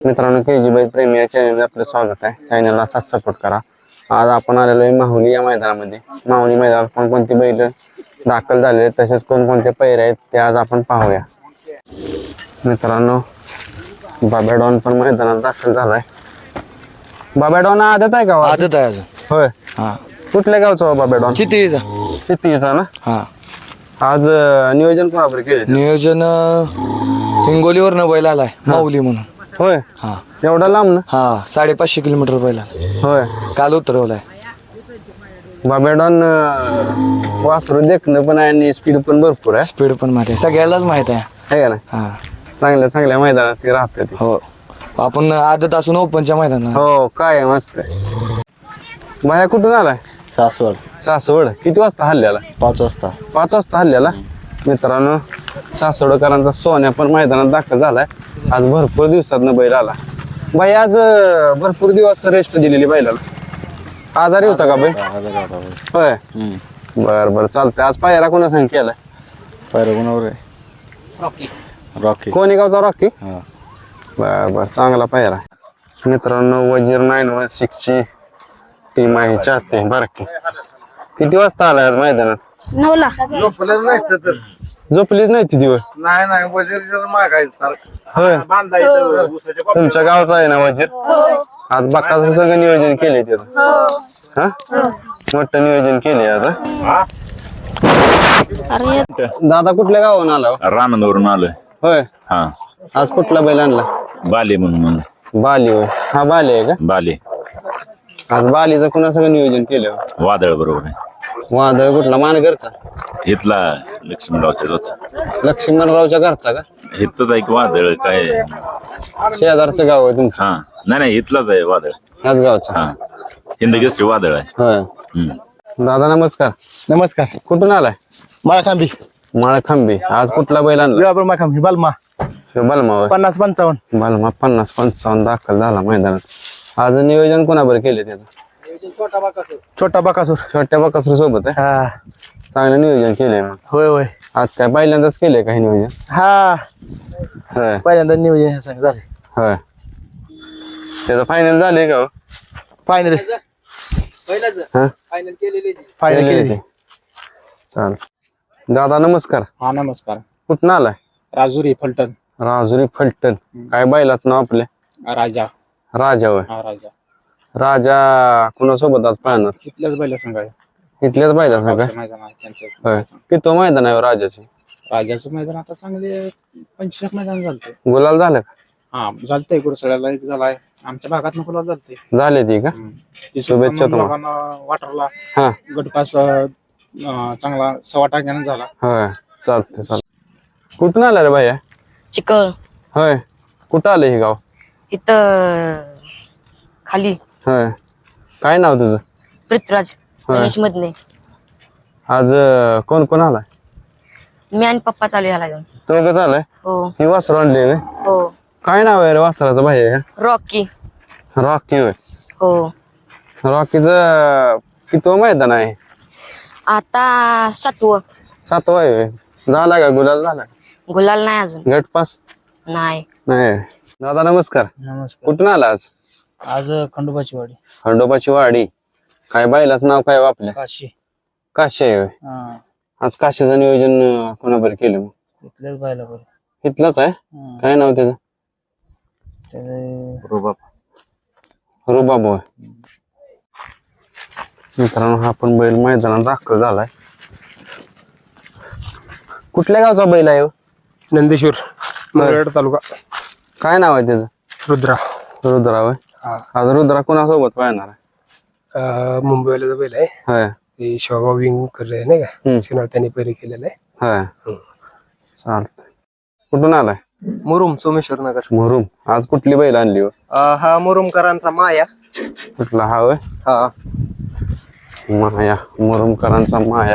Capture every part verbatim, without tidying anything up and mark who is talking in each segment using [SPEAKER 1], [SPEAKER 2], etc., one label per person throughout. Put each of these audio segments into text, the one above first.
[SPEAKER 1] मित्रांनो के जी बाई प्रेमी या चॅनलला आपलं स्वागत आहे. चॅनलला असाच सपोर्ट करा. आज आपण आलेलो आहे माहुली या मैदानामध्ये. माहुली मैदानात कोणकोणती बैल दाखल झाले तसेच कोणकोणते पैरे आहेत ते आज आपण पाहूया. मित्रांनो बाबा डॉन पण मैदानात दाखल झालाय. बाबा डॉन आदत आहे का?
[SPEAKER 2] आदत आहे अजून.
[SPEAKER 1] होय.
[SPEAKER 2] हा
[SPEAKER 1] कुठल्या गावचा हो बाबा डॉन?
[SPEAKER 2] चितीचा.
[SPEAKER 1] चितीचा ना.
[SPEAKER 2] हा
[SPEAKER 1] आज अं, नियोजन कोणाबरोबर केले?
[SPEAKER 2] नियोजन हिंगोलीवर न बैल आलाय माऊली म्हणून.
[SPEAKER 1] होय.
[SPEAKER 2] हा
[SPEAKER 1] एवढा लांब ना?
[SPEAKER 2] हा साडेपाचशे किलोमीटर बैला
[SPEAKER 1] होय.
[SPEAKER 2] काल उतरवलाय.
[SPEAKER 1] बाबा डॉन अं, वासरू देखणं पण आहे आणि स्पीड पण भरपूर आहे.
[SPEAKER 2] स्पीड पण माहिती आहे सगळ्यालाच माहित आहे.
[SPEAKER 1] आहे का ना?
[SPEAKER 2] हा
[SPEAKER 1] चांगल्या चांगल्या मैदानात ती राहते ती.
[SPEAKER 2] हो आपण आदत असून ओपनच्या मैदानात.
[SPEAKER 1] हो काय मस्त आहे. माया कुठून आलाय?
[SPEAKER 2] सासवड.
[SPEAKER 1] सासवड. किती वाजता हल्ल्याला?
[SPEAKER 2] पाच वाजता.
[SPEAKER 1] पाच वाजता हल्ल्याला. मित्रांनो सासवडकरांचा सोन्या पण मैदानात दाखल झालाय. आज भरपूर दिवसातनं बैल आला. बाई आज अं, भरपूर दिवस रेस्ट दिलेली बैलाला. आजारी होता का बाई? होय. बर बर चालतंय. आज पायरा कोणा सांग केलाय?
[SPEAKER 2] पैर कोणावर आहे? रॉकी.
[SPEAKER 1] कोणी गावचा रॉकी?
[SPEAKER 2] हा
[SPEAKER 1] बर बर चांगला पायरा. मित्रांनो वजीर नाईन वन सिक्स ची टीम आहे चाहते बरं की. किती वाजता आलाय आज मैदानात?
[SPEAKER 3] नऊला.
[SPEAKER 1] झोपलीच नाही ती दिवस?
[SPEAKER 4] नाही नाही वजीर मागायचं
[SPEAKER 1] होय. तुमच्या गावचा आहे ना वजीर? आज बाकाचं सगळं नियोजन केले त्याचं. हा मोठं नियोजन केले आज हा?
[SPEAKER 3] अरे
[SPEAKER 1] दादा कुठल्या गावाहून आला हो?
[SPEAKER 5] रानंदवरून आलोय.
[SPEAKER 1] होय.
[SPEAKER 5] हा
[SPEAKER 1] आज कुठला बैल आणला?
[SPEAKER 5] बाले म्हणून म्हणलं.
[SPEAKER 1] बाली होय. हा बाली आहे का?
[SPEAKER 5] बाले
[SPEAKER 1] आज बालीचं कुणा सगळं नियोजन केलं?
[SPEAKER 5] वादळ बरोबर आहे.
[SPEAKER 1] वादळ कुठला? मानगरचा?
[SPEAKER 5] इथला लक्ष्मणरावच्या रोज
[SPEAKER 1] लक्ष्मणरावच्या घरचा का?
[SPEAKER 5] इथलंच आहे की वादळ काय.
[SPEAKER 1] शेजारचं गाव आहे तुमचं?
[SPEAKER 5] हा नाही नाही इथलाच आहे वादळ.
[SPEAKER 1] ह्याच गावचा?
[SPEAKER 5] हा हिंदकेसरी वादळ आहे.
[SPEAKER 1] होय.
[SPEAKER 5] हम्म.
[SPEAKER 1] दादा नमस्कार.
[SPEAKER 4] नमस्कार.
[SPEAKER 1] कुठून आलाय?
[SPEAKER 4] माळखांबी.
[SPEAKER 1] माळखांबी. आज कुठला बैल आणला?
[SPEAKER 4] माळखांबी बालमा
[SPEAKER 1] ह्यो बलमा होय.
[SPEAKER 4] पन्नास पंचावन्न.
[SPEAKER 1] बलमा पन्नास पंचावन्न दाखल झाला मैदानात. आज नियोजन कोणाबर केले त्याचं?
[SPEAKER 4] छोटा बकासूर.
[SPEAKER 1] छोट्या बकासूर सोबत आहे.
[SPEAKER 4] हा
[SPEAKER 1] चांगलं नियोजन केलंय मग.
[SPEAKER 4] होय होय.
[SPEAKER 1] आज काय पहिल्यांदाच केलंय काही नियोजन?
[SPEAKER 4] हा
[SPEAKER 1] होय.
[SPEAKER 4] पहिल्यांदा नियोजन हे सांग झाले.
[SPEAKER 1] होय. त्याचं फायनल झालंय का?
[SPEAKER 4] फायनल
[SPEAKER 1] हा
[SPEAKER 4] फायनल
[SPEAKER 1] केलंय
[SPEAKER 4] केली.
[SPEAKER 1] ते. चाल. दादा नमस्कार.
[SPEAKER 4] हा नमस्कार.
[SPEAKER 1] कुठून आलाय?
[SPEAKER 4] राजुरी फलटण.
[SPEAKER 1] राजुरी फलटण. काय बैलाचं नाव आपल्या?
[SPEAKER 4] राजा.
[SPEAKER 1] राजा होय.
[SPEAKER 4] हा राजा.
[SPEAKER 1] राजा कुणासोबत आज पाहणार?
[SPEAKER 4] इथल्याच बैला सांगा.
[SPEAKER 1] इथल्याच बैला सांगा.
[SPEAKER 4] मैदान आहे त्यांचं.
[SPEAKER 1] होय. किती मैदान आहे राजाची?
[SPEAKER 4] राजाचं मैदान आता चांगले पंचवीस मैदान झालते.
[SPEAKER 1] गुलाल झालं का?
[SPEAKER 4] हा झालतंय. गुरसळ्याला एक झालाय. आमच्या भागात नको झालते.
[SPEAKER 1] झाले ती का? शुभेच्छा तुम्हाला.
[SPEAKER 4] वाटरला
[SPEAKER 1] हा
[SPEAKER 4] गटपास अं, चांगला सव्वा टाक्यानं झाला.
[SPEAKER 1] होय. चालतंय चालतंय. कुठून आला रे भैया?
[SPEAKER 3] चिकळ.
[SPEAKER 1] होय. कुठं आलं हे गाव?
[SPEAKER 3] इथं खाली
[SPEAKER 1] होय. काय नाव तुझं?
[SPEAKER 3] पृथ्वीराज गणेश मधने.
[SPEAKER 1] आज अं, कोण कोण आलाय?
[SPEAKER 3] मी आणि पप्पा चालू ह्याला घेऊन.
[SPEAKER 1] तो कसं आलाय?
[SPEAKER 3] हो
[SPEAKER 1] ही वासरू आणली होय?
[SPEAKER 3] हो.
[SPEAKER 1] काय नाव आहे रे वासराचं भैया?
[SPEAKER 3] रॉकी.
[SPEAKER 1] रॉकी होय.
[SPEAKER 3] हो.
[SPEAKER 1] रॉकीचं किती मैदान आहे?
[SPEAKER 3] आता सातवं.
[SPEAKER 1] सातवा आहे होय. झाला का गुलाल झाला?
[SPEAKER 3] गुलाल नाही अजून.
[SPEAKER 1] गटपास
[SPEAKER 3] नाही.
[SPEAKER 1] नाही. दादा नमस्कार.
[SPEAKER 4] नमस्कार.
[SPEAKER 1] कुठून आला आज?
[SPEAKER 4] आज खंडोबाची वाडी.
[SPEAKER 1] खंडोबाची वाडी. काय बैलाचं नाव काय हो आपल्या?
[SPEAKER 4] काशी.
[SPEAKER 1] काशी आहे होय.
[SPEAKER 4] हा
[SPEAKER 1] आज काशीचं नियोजन अं, कोणाबरोबर केलं मग?
[SPEAKER 4] इथल्याच बायला बरं.
[SPEAKER 1] इथलंच आहे. काय नाव त्याचं?
[SPEAKER 4] त्याचे
[SPEAKER 5] रुबाब.
[SPEAKER 1] रुबाब होय. मित्रांनो हा पण बैल मैदानात दाखल झालाय. कुठल्या गावचा बैल आहे हो?
[SPEAKER 4] नंदेश्वर मंगळवेढा तालुका.
[SPEAKER 1] काय नाव आहे त्याचं?
[SPEAKER 4] रुद्रा.
[SPEAKER 1] रुद्रा होय. आज रुद्रा कोणासोबत पाहणार आहे?
[SPEAKER 4] मुंबईला बैल आहे.
[SPEAKER 1] होय.
[SPEAKER 4] ते शोभा विंग करले नाही
[SPEAKER 1] हम्म.
[SPEAKER 4] का शिनार त्यांनी पहिले केलेलं आहे.
[SPEAKER 1] होय. चालतंय. कुठून आलाय?
[SPEAKER 4] मुरुम सोमेश्वर नगर.
[SPEAKER 1] मुरुम. आज कुठली बैल आणली हो?
[SPEAKER 4] हा मुरुमकरांचा माया.
[SPEAKER 1] कुठला हा होय?
[SPEAKER 4] हा
[SPEAKER 1] माया. मुरुमकरांचा माया.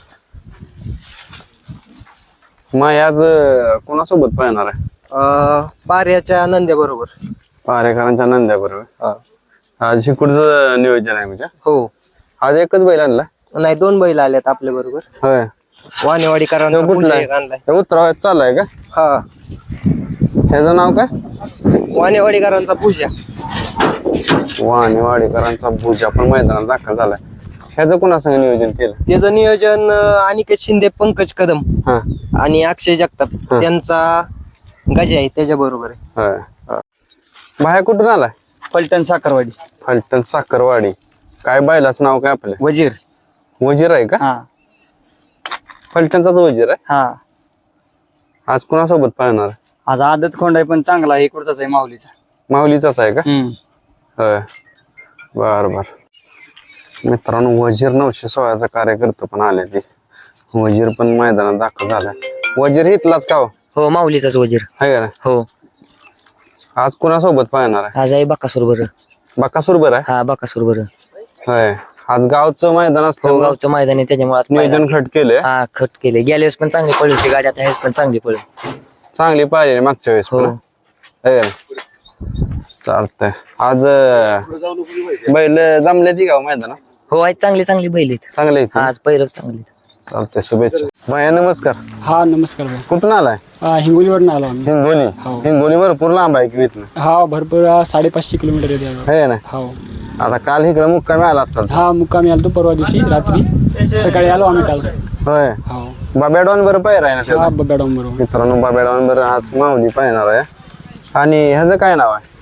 [SPEAKER 1] माया आज अं, कोणासोबत पाहणार आहे?
[SPEAKER 4] पार्याच्या नंद्या बरोबर.
[SPEAKER 1] पारेकरांच्या नंद्या बरोबर.
[SPEAKER 4] हा
[SPEAKER 1] आज इकडचं नियोजन आहे म्हणजे?
[SPEAKER 4] हो.
[SPEAKER 1] आज एकच बैल आणला?
[SPEAKER 4] नाही दोन बैल आल्यात आपल्या बरोबर.
[SPEAKER 1] होय.
[SPEAKER 4] वाणेवाडीकरांचा
[SPEAKER 1] तो कुठला
[SPEAKER 4] पूजा
[SPEAKER 1] आहे?
[SPEAKER 4] एक आणलाय.
[SPEAKER 1] हे उतरावयात चालू आहे का?
[SPEAKER 4] हा
[SPEAKER 1] ह्याचं नाव काय?
[SPEAKER 6] वानेवाडीकरांचा पूजा.
[SPEAKER 1] वाणीवाडीकरांचा भुजा पण मैदानात दाखल झालाय. ह्याचं कुणासंग नियोजन केलं?
[SPEAKER 6] त्याचं नियोजन अं, अनिकेत शिंदे, पंकज कदम
[SPEAKER 1] हा
[SPEAKER 6] आणि अक्षय जगताप
[SPEAKER 1] हा.
[SPEAKER 6] त्यांचा गजा आहे त्याच्या बरोबर आहे.
[SPEAKER 1] होय. बाहेर कुठून आलाय?
[SPEAKER 6] पलटण साखरवाडी.
[SPEAKER 1] फलटण साखरवाडी. काय बैलाचं नाव काय आपलं?
[SPEAKER 6] वजीर.
[SPEAKER 1] वजीर आहे का?
[SPEAKER 6] हा
[SPEAKER 1] फलटणचाच वजीर आहे.
[SPEAKER 6] हा
[SPEAKER 1] आज कुणासोबत पाहणार?
[SPEAKER 6] आज आदत खोंड आहे पण चांगला आहे, इकडचाच आहे माऊलीचा.
[SPEAKER 1] माऊलीचाच आहे का?
[SPEAKER 6] हम्म.
[SPEAKER 1] होय. बर बर मित्रांनो, वजीर नऊशे सोळाचा कार्यकर्ता पण आले ते. वजीर पण मैदानात दाखल झालाय. वजीर इथलाच का हो?
[SPEAKER 3] हो माऊलीचाच वजीर.
[SPEAKER 1] आहे का नाही?
[SPEAKER 3] हो
[SPEAKER 1] आज कुणासोबत पाहणार आहे?
[SPEAKER 3] आज आहे बकासूर बरं.
[SPEAKER 1] बकासूर बरं आहे.
[SPEAKER 3] हा बकासूर बरं.
[SPEAKER 1] होय. आज गावचं मैदान
[SPEAKER 3] हो
[SPEAKER 1] असतं,
[SPEAKER 3] गावचं मैदान आहे त्याच्यामुळे आज
[SPEAKER 1] नियोजन
[SPEAKER 3] मैदान-
[SPEAKER 1] खट केले.
[SPEAKER 3] हा खट केले. गेल्या वेळेस पण चांगली पडली होती गाडी, आता ह्यावेळेस पण चांगली पडली.
[SPEAKER 1] चांगली पाहिजे मागच्या वेळेस
[SPEAKER 3] हो.
[SPEAKER 1] पण. आहे का नाही? चालतंय. आज अं, बैल जमले ती गाव मैदानात
[SPEAKER 3] हो आज चांगली चांगली बैल आहेत.
[SPEAKER 1] चांगले आहेत.
[SPEAKER 3] हा आज पहिलं चांगली.
[SPEAKER 1] चालतंय. शुभेच्छा. भैया नमस्कार.
[SPEAKER 4] हा नमस्कार भाई.
[SPEAKER 1] कुठून आलाय?
[SPEAKER 4] हिंगोलीवरून आलो आम्ही.
[SPEAKER 1] हिंगोली. हिंगोली भरपूर लांब आहे की इथनं?
[SPEAKER 4] हा भरपूर अं, साडेपाचशे किलोमीटर येते आम्हाला.
[SPEAKER 1] आहे ना?
[SPEAKER 4] हो.
[SPEAKER 1] आता काल इकडे मुक्कामी आला चालत.
[SPEAKER 4] हा मुक्कामी आलो परवा दिवशी रात्री, सकाळी आलो आम्ही काल.
[SPEAKER 1] होय.
[SPEAKER 4] हो.
[SPEAKER 1] बाब्याडॉन बरं पाहिजे आहे ना
[SPEAKER 4] हा
[SPEAKER 1] त्याचा?
[SPEAKER 4] बबेडॉन बरोबर.
[SPEAKER 1] मित्रांनो, बाब्याडॉन बरं आज माऊली पाहणार आहे. आणि ह्याचं काय नाव आहे?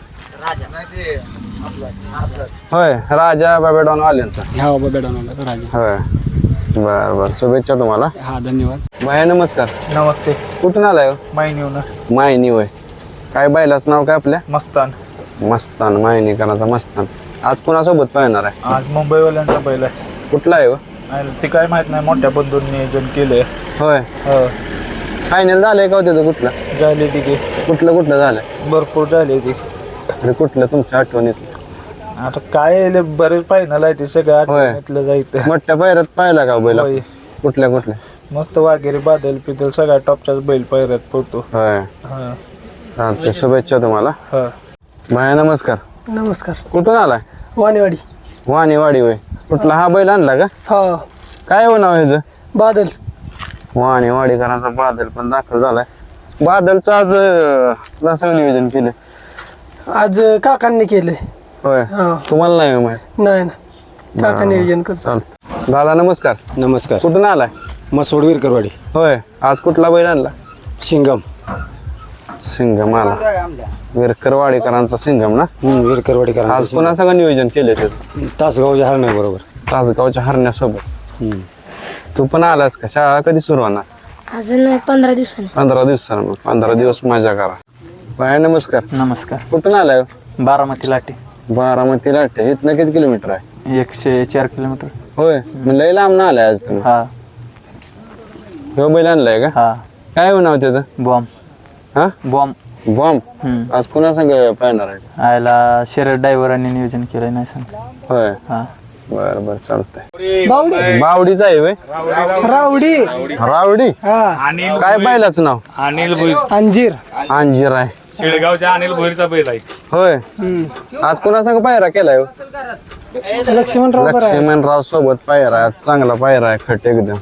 [SPEAKER 1] होय, राजा बाब्याडॉन वाल्यांचा.
[SPEAKER 4] हा बबेडॉन आला राजा.
[SPEAKER 1] होय. बर बर शुभेच्छा तुम्हाला.
[SPEAKER 4] हा धन्यवाद.
[SPEAKER 1] भैया नमस्कार.
[SPEAKER 6] नमस्ते.
[SPEAKER 1] कुठून आलाय हो?
[SPEAKER 6] मायनीवनं.
[SPEAKER 1] मायनी. होय. काय बैलाच नाव काय आपल्या?
[SPEAKER 6] मस्तान.
[SPEAKER 1] मस्तान. मायनीकरांचा मस्तान. आज कोणासोबत पाहणार आहे?
[SPEAKER 6] आज मुंबईवाल्यांचा बैल आहे.
[SPEAKER 1] कुठला आहे हो?
[SPEAKER 6] ते काय माहित नाही, मोठ्या बंधून नियोजन केलंय.
[SPEAKER 1] होय. फायनल झालंय का हो त्याचं? कुठलं
[SPEAKER 6] झाले तिथे
[SPEAKER 1] कुठलं कुठलं झालंय?
[SPEAKER 6] भरपूर झाले ते.
[SPEAKER 1] आणि कुठलं तुमच्या आठवणीत?
[SPEAKER 6] आता काय लय बरेच फायनल आहे ते सगळ्या
[SPEAKER 1] होय.
[SPEAKER 6] आठवणीतलं जायचं.
[SPEAKER 1] मोठ्या पायऱ्यात पाहिला का हो बैल?
[SPEAKER 6] होय.
[SPEAKER 1] कुठल्या कुठल्या?
[SPEAKER 6] मस्त वाघेरी, बादल, पिदल सगळ्या टॉपच्याच बैल पायऱ्यात पडतो.
[SPEAKER 1] होय.
[SPEAKER 6] हा
[SPEAKER 1] चालतंय. शुभेच्छा तुम्हाला.
[SPEAKER 6] हा.
[SPEAKER 1] भैया नमस्कार.
[SPEAKER 7] नमस्कार.
[SPEAKER 1] कुठून आलाय?
[SPEAKER 7] वानेवाडी.
[SPEAKER 1] वाणीवाडी. होय. कुठला हा बैल आणला का?
[SPEAKER 7] हा
[SPEAKER 1] काय हो नाव ह्याचं?
[SPEAKER 7] बादल.
[SPEAKER 1] वाणीवाडीकरांचा बादल पण दाखल झालाय. बादलचं आज अं, कसं नियोजन केलं?
[SPEAKER 7] आज काकांनी केले.
[SPEAKER 1] होय.
[SPEAKER 7] हा
[SPEAKER 1] तुम्हाला नाही माहित?
[SPEAKER 7] नाही ना, काका नियोजन करतो.
[SPEAKER 1] चालतं. दादा नमस्कार.
[SPEAKER 8] नमस्कार.
[SPEAKER 1] कुठून आलाय?
[SPEAKER 8] मसोड विरकरवाडी.
[SPEAKER 1] होय. आज कुठला बैल आणला?
[SPEAKER 8] शिंगम.
[SPEAKER 1] सिंगम आला. विरकरवाडीकरांचा सिंगम ना?
[SPEAKER 8] विरकरवाडी करा.
[SPEAKER 1] आज पुन्हा सगळं नियोजन केले त्याचं?
[SPEAKER 8] तासगावच्या हरण्या बरोबर.
[SPEAKER 1] तासगावच्या हरण्यासोबत. तू पण आलास का? शाळा कधी सुरू होणार?
[SPEAKER 7] अजून पंधरा दिवसांनी.
[SPEAKER 1] पंधरा दिवसानं. मग पंधरा दिवस मजा करा. बाय नमस्कार.
[SPEAKER 6] नमस्कार.
[SPEAKER 1] कुठून आलाय हो?
[SPEAKER 6] बारामती लाटे.
[SPEAKER 1] बारामती लाटे. इथनं किती किलोमीटर आहे?
[SPEAKER 6] एकशे चार किलोमीटर.
[SPEAKER 1] होय. मग लय लांब ना आलाय आज तुम्ही?
[SPEAKER 6] हा
[SPEAKER 1] हो बैल आणलाय का?
[SPEAKER 6] हा.
[SPEAKER 1] काय हो नाव त्याचं?
[SPEAKER 6] बॉम्ब.
[SPEAKER 1] हा
[SPEAKER 6] बॉम्ब.
[SPEAKER 1] बॉम्ब. आज कुणा संग पाहणार आहे?
[SPEAKER 6] आयला शरद ड्रायव्हरांनी नियोजन केलंय, नाही सांग.
[SPEAKER 1] होय.
[SPEAKER 6] हा.
[SPEAKER 1] बर बर चालतंय. बावडीचा आहे होय?
[SPEAKER 7] रावडी.
[SPEAKER 1] रावडी.
[SPEAKER 7] हा
[SPEAKER 1] काय बैलाचं नाव?
[SPEAKER 2] अनिल भोईर.
[SPEAKER 7] अंजीर.
[SPEAKER 1] अंजीर आहे.
[SPEAKER 2] शेळगावच्या अनिल भोईरचा बैल आहे.
[SPEAKER 1] होय. आज कुणा संग पायरा केलाय हो?
[SPEAKER 7] लक्ष्मणराव बरं आहे.
[SPEAKER 1] लक्ष्मणराव सोबत पायरा आहे. चांगला पायरा आहे. खट एकदम.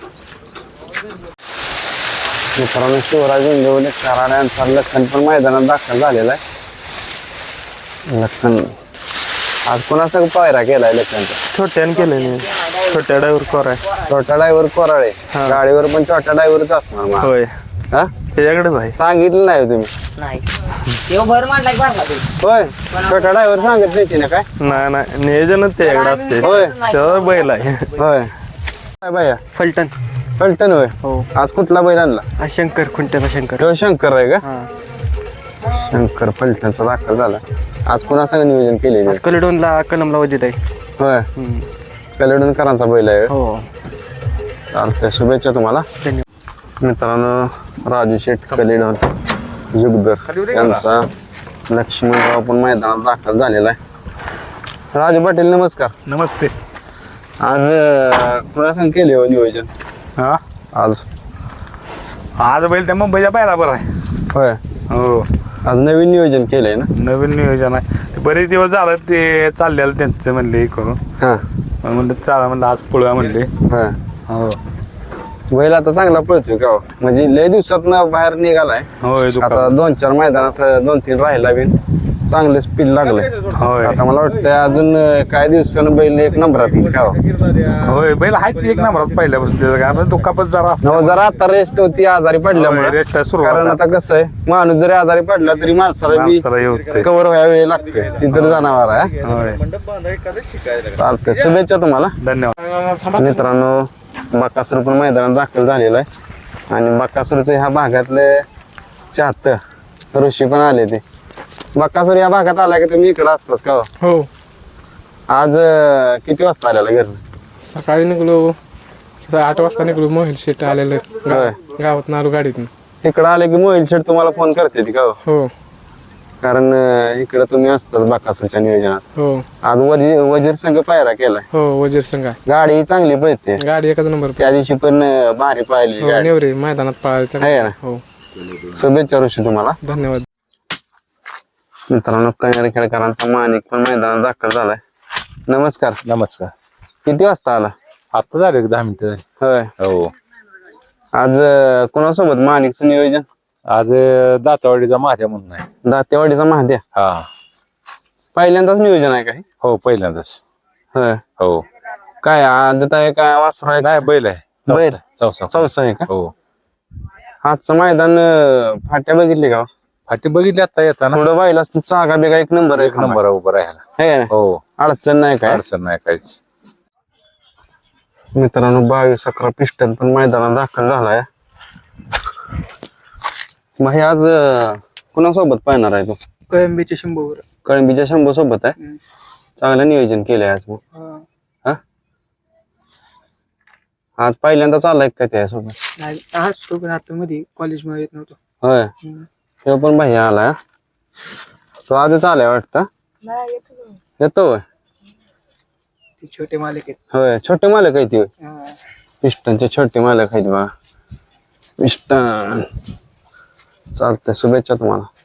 [SPEAKER 1] मित्रांनो, शिवराज इंगवले कराड्यांचा लखन पण मैदानात दाखल झालेला आहे. लखन आज कोणाचा पायरा केलाय? लखनचा
[SPEAKER 6] छोट्यानं केलेले. छोट्या ड्रायव्हर कोर आहे.
[SPEAKER 1] छोटा ड्रायव्हर कोराळे. गाडीवर पण छोटा ड्रायव्हरच असणार मग.
[SPEAKER 6] होय.
[SPEAKER 1] हा
[SPEAKER 6] त्याच्याकडेच आहे.
[SPEAKER 1] सांगितलं नाही हो तुम्ही?
[SPEAKER 3] नाही येऊ भर मांडला की भरला तू.
[SPEAKER 1] होय. छोटा ड्रायव्हर सांगत नाही ना काय?
[SPEAKER 6] नाही नाही, नियोजनच त्याच्याकडे असते.
[SPEAKER 1] होय.
[SPEAKER 6] त्याचा बैल आहे.
[SPEAKER 1] होय. काय बाया?
[SPEAKER 6] फलटण.
[SPEAKER 1] फलटण. होय. आज कुठला बैल आणला?
[SPEAKER 6] शंकर, खुंट्याचा शंकर.
[SPEAKER 1] तो शंकर आहे का? शंकर फलटणचा दाखल झाला. आज कुणा संग नियोजन केलेलं?
[SPEAKER 6] कलेडोनला कलमला वजीर आहे.
[SPEAKER 1] होय. कलेडूनकरांचा बैल आहे.
[SPEAKER 6] हो.
[SPEAKER 1] चालतंय. शुभेच्छा तुम्हाला. मित्रांनो, राजू शेठ कलेडोन जुगदर यांचा लक्ष्मणराव पण मैदानात दाखल झालेला आहे. राजू पाटील नमस्कार.
[SPEAKER 2] नमस्ते.
[SPEAKER 1] आज अं, कुणा संग केले हो नियोजन?
[SPEAKER 2] हा
[SPEAKER 1] आज
[SPEAKER 2] आज बैल त्या मुंबईच्या पायरा बरं आहे.
[SPEAKER 1] होय.
[SPEAKER 2] हो.
[SPEAKER 1] आज नवीन नियोजन केलंय ना?
[SPEAKER 2] नवीन नियोजन आहे. ते बरेच दिवस झालं ते चाललेलं त्यांचं, म्हणले हे करून.
[SPEAKER 1] हा.
[SPEAKER 2] मग म्हणलं चाला, म्हणलं आज पळूया म्हणले.
[SPEAKER 1] होय.
[SPEAKER 2] हो.
[SPEAKER 1] बैल आता चांगला पळतोय का हो? म्हणजे लय दिवसात बाहेर निघालाय
[SPEAKER 6] होय
[SPEAKER 1] आता दोन चार मैदानात दोन तीन राहिला बी चांगले स्पीड लागले
[SPEAKER 6] होय
[SPEAKER 1] आता मला वाटतं अजून काही दिवसानं बैल एक नंबरात येईल का हो?
[SPEAKER 6] होय बैल आहेच एक नंबरात पहिल्यापासून त्याचं कारण दुखापत जरा
[SPEAKER 1] हो, जरा आता रेस्ट होती आजारी पडल्यामुळे
[SPEAKER 6] रेस्ट सुरुवात
[SPEAKER 1] कारण आता कसं आहे माणूस जरी आजारी पडला तरी माणसाला बी
[SPEAKER 6] माणसाला हे होतंय.
[SPEAKER 1] कव्हर व्हायला वेळ लागतोय ती तर जनावर आहे
[SPEAKER 6] होय
[SPEAKER 1] चालतंय शुभेच्छा तुम्हाला
[SPEAKER 6] धन्यवाद
[SPEAKER 1] मित्रांनो बकासूर पण मैदानात दाखल झालेला आहे आणि बकासूरचं ह्या भागातले चाहतं ऋषी पण आले ते बकासूर या भागात आला की तुम्ही इकडे असतास का हो?
[SPEAKER 9] हो
[SPEAKER 1] आज अं, किती वाजता आलेला घरनं
[SPEAKER 9] सकाळी निघलो सकाळी आठ वाजता निघलो मोहिल शेट आलेलं
[SPEAKER 1] होय.
[SPEAKER 9] गावात नारू गाडीतून
[SPEAKER 1] इकडं आले की मोबाईल शेट तुम्हाला फोन करते ती का हो?
[SPEAKER 9] हो
[SPEAKER 1] कारण अं, इकडं तुम्ही असताच बकासूरच्या नियोजनात
[SPEAKER 9] हो
[SPEAKER 1] आज वजीर वजीर संघ पायरा केलाय
[SPEAKER 9] हो वजीर संघ
[SPEAKER 1] गाडी चांगली पळते
[SPEAKER 9] गाडी एकाच नंबर
[SPEAKER 1] त्या दिवशी पण अं, भारी पाहिली
[SPEAKER 9] हो
[SPEAKER 1] गाडी
[SPEAKER 9] नेवरे मैदानात पाळायचं
[SPEAKER 1] आहे ना?
[SPEAKER 9] हो
[SPEAKER 1] शुभेच्छा ऋषी तुम्हाला
[SPEAKER 9] धन्यवाद
[SPEAKER 1] मित्रांनो कन्यारी खेळकरांचा माणिक पण मैदानात दाखल झालाय नमस्कार
[SPEAKER 6] नमस्कार
[SPEAKER 1] किती वाजता आला
[SPEAKER 6] आता झालं एक दहा मिनिटं झाली
[SPEAKER 1] होय
[SPEAKER 6] हो
[SPEAKER 1] आज अं, कोणासोबत माणिकचं नियोजन
[SPEAKER 6] आज दातवाडीचा महाद्या म्हणून आहे
[SPEAKER 1] दातेवाडीचा महाद्या
[SPEAKER 6] हा
[SPEAKER 1] पहिल्यांदाच नियोजन आहे काय
[SPEAKER 6] हो पहिल्यांदाच
[SPEAKER 1] होय
[SPEAKER 6] हो
[SPEAKER 1] काय आदत आहे काय वासरू आहे
[SPEAKER 6] नाही बैल आहे
[SPEAKER 1] बैल
[SPEAKER 6] चौसा
[SPEAKER 1] चौसा आहे का
[SPEAKER 6] हो
[SPEAKER 1] आजचं मैदान अं, फाट्या बघितली का
[SPEAKER 6] फाटी बघितली आता येताना
[SPEAKER 1] थोडं बाईला चागा बिगा एक नंबर
[SPEAKER 6] एक नंबर उभं राहायला
[SPEAKER 1] आहे ना
[SPEAKER 6] हो
[SPEAKER 1] अडचण नाही काय
[SPEAKER 6] अडचण नाही काहीच
[SPEAKER 1] मित्रांनो बावीस अकरा पिस्टन पण मैदानात दाखल झालाय मग हे आज अं, कुणासोबत पाहणार आहे तू
[SPEAKER 7] कळंबीच्या शंभूवर
[SPEAKER 1] कळंबीच्या शंभू सोबत आहे चांगलं नियोजन केलंय आज मग हा आज पहिल्यांदा चाललाय का त्यासोबत
[SPEAKER 7] आज तो पण आता मध्ये कॉलेजमध्ये येत नव्हतो
[SPEAKER 1] होय तेव्हा पण भैया आलाय तो आजच आलाय वाटतं येतो होय
[SPEAKER 7] ते छोटे मालक आहेत
[SPEAKER 1] होय छोटे मालक आहे ती होय
[SPEAKER 7] हा.
[SPEAKER 1] पिस्टनचे छोटे मालक आहेत बघा पिस्टन चालतंय शुभेच्छा तुम्हाला